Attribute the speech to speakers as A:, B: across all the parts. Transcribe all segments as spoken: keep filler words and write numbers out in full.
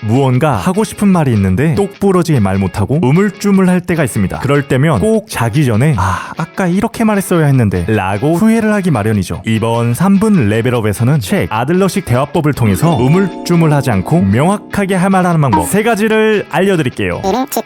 A: 무언가 하고 싶은 말이 있는데 똑부러지게 말 못하고 우물쭈물할 때가 있습니다. 그럴 때면 꼭 자기 전에 아 아까 이렇게 말했어야 했는데 라고 후회를 하기 마련이죠. 이번 삼 분 레벨업에서는 책 아들러식 대화법을 통해서 우물쭈물하지 않고 명확하게 할 말하는 방법 세 가지를 알려드릴게요.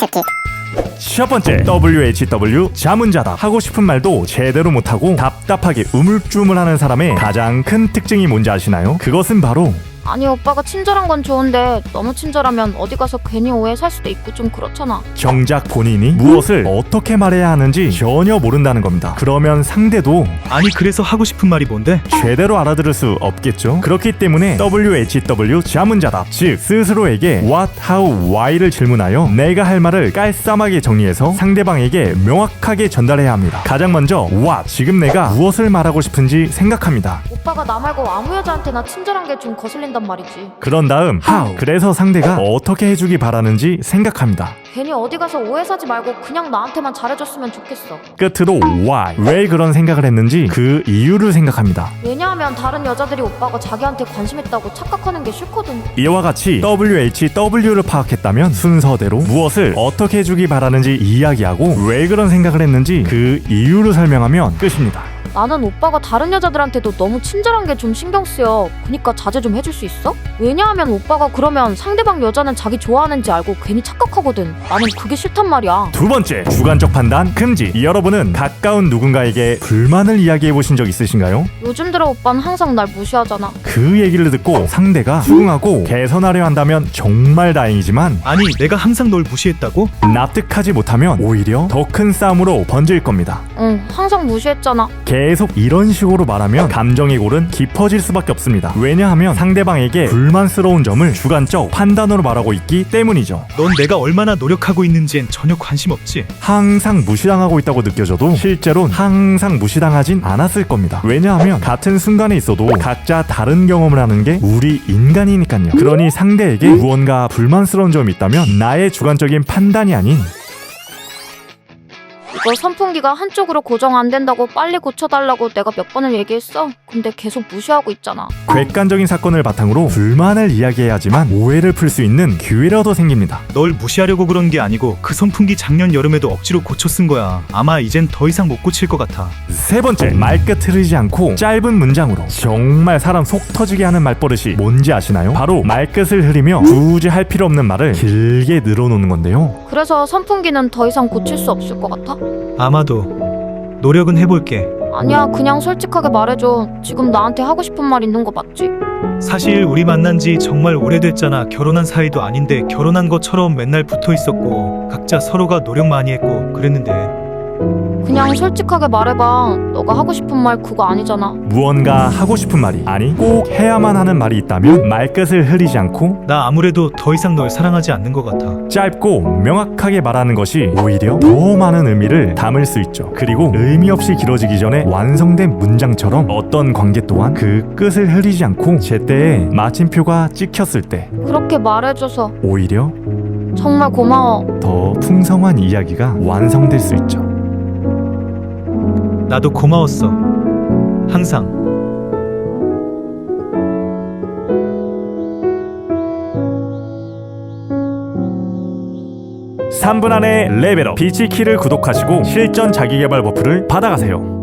A: 첫 번째, 더블유 에이치 더블유 자문자답. 하고 싶은 말도 제대로 못하고 답답하게 우물쭈물하는 사람의 가장 큰 특징이 뭔지 아시나요? 그것은 바로
B: 아니 오빠가 친절한 건 좋은데 너무 친절하면 어디 가서 괜히 오해 살 수도 있고 좀 그렇잖아.
A: 정작 본인이 무엇을 어떻게 말해야 하는지 전혀 모른다는 겁니다. 그러면 상대도
C: 아니 그래서 하고 싶은 말이 뭔데?
A: 제대로 알아들을 수 없겠죠. 그렇기 때문에 더블유 에이치 더블유 자문자답, 즉 스스로에게 what, how, why를 질문하여 내가 할 말을 깔쌈하게 정리해서 상대방에게 명확하게 전달해야 합니다. 가장 먼저 what, 지금 내가 무엇을 말하고 싶은지 생각합니다.
B: 오빠가 나 말고 아무 여자한테나 친절한 게 좀 거슬린단 말이지.
A: 그런 다음 how, 그래서 상대가 어떻게 해주기 바라는지 생각합니다.
B: 괜히 어디 가서 오해 사지 말고 그냥 나한테만 잘해줬으면 좋겠어.
A: 끝으로 why, 왜 그런 생각을 했는지 그 이유를 생각합니다.
B: 왜냐하면 다른 여자들이 오빠가 자기한테 관심 있다고 착각하는 게 싫거든.
A: 이와 같이 더블유 에이치 더블유를 파악했다면 순서대로 무엇을 어떻게 해주기 바라는지 이야기하고 왜 그런 생각을 했는지 그 이유를 설명하면 끝입니다.
B: 나는 오빠가 다른 여자들한테도 너무 친절한 게 좀 신경 쓰여. 그니까 자제 좀 해줄 수 있어? 왜냐하면 오빠가 그러면 상대방 여자는 자기 좋아하는지 알고 괜히 착각하거든. 나는 그게 싫단 말이야.
A: 두 번째, 주관적 판단 금지. 여러분은 가까운 누군가에게 불만을 이야기해 보신 적 있으신가요?
B: 요즘 들어 오빠는 항상 날 무시하잖아.
A: 그 얘기를 듣고 상대가 수긍하고 개선하려 한다면 정말 다행이지만
C: 아니 내가 항상 널 무시했다고?
A: 납득하지 못하면 오히려 더 큰 싸움으로 번질 겁니다.
B: 응, 항상 무시했잖아.
A: 계속 이런 식으로 말하면 감정의 골은 깊어질 수밖에 없습니다. 왜냐하면 상대방에게 불만스러운 점을 주관적 판단으로 말하고 있기 때문이죠.
C: 넌 내가 얼마나 노력하고 있는지엔 전혀 관심 없지.
A: 항상 무시당하고 있다고 느껴져도 실제로는 항상 무시당하진 않았을 겁니다. 왜냐하면 같은 순간에 있어도 각자 다른 경험을 하는 게 우리 인간이니까요. 그러니 상대에게 무언가 불만스러운 점이 있다면 나의 주관적인 판단이 아닌
B: 이거 선풍기가 한쪽으로 고정 안 된다고 빨리 고쳐달라고 내가 몇 번을 얘기했어. 근데 계속 무시하고 있잖아.
A: 객관적인 사건을 바탕으로 불만을 이야기해야지만 오해를 풀 수 있는 기회라도 생깁니다.
C: 널 무시하려고 그런 게 아니고 그 선풍기 작년 여름에도 억지로 고쳐 쓴 거야. 아마 이젠 더 이상 못 고칠 것 같아.
A: 세 번째, 말끝 흐르지 않고 짧은 문장으로 정말 사람 속 터지게 하는 말버릇이 뭔지 아시나요? 바로 말끝을 흐리며 굳이 할 필요 없는 말을 길게 늘어놓는 건데요.
B: 그래서 선풍기는 더 이상 고칠 수 없을 것 같아?
C: 아마도 노력은 해볼게.
B: 아니야, 그냥 솔직하게 말해줘. 지금 나한테 하고 싶은 말 있는 거 맞지?
C: 사실 우리 만난 지 정말 오래됐잖아. 결혼한 사이도 아닌데 결혼한 것처럼 맨날 붙어 있었고 각자 서로가 노력 많이 했고 그랬는데.
B: 그냥 솔직하게 말해봐. 너가 하고 싶은 말 그거 아니잖아.
A: 무언가 하고 싶은 말이 아니 꼭 해야만 하는 말이 있다면 말끝을 흐리지 않고
C: 나 아무래도 더 이상 널 사랑하지 않는 것 같아.
A: 짧고 명확하게 말하는 것이 오히려 더 많은 의미를 담을 수 있죠. 그리고 의미 없이 길어지기 전에 완성된 문장처럼 어떤 관계 또한 그 끝을 흐리지 않고 제때에 마침표가 찍혔을 때
B: 그렇게 말해줘서
A: 오히려
B: 정말 고마워.
A: 더 풍성한 이야기가 완성될 수 있죠.
C: 나도 고마웠어. 항상.
A: 삼 분 안에 레벨업 비치키를 구독하시고 실전 자기개발 버프를 받아가세요.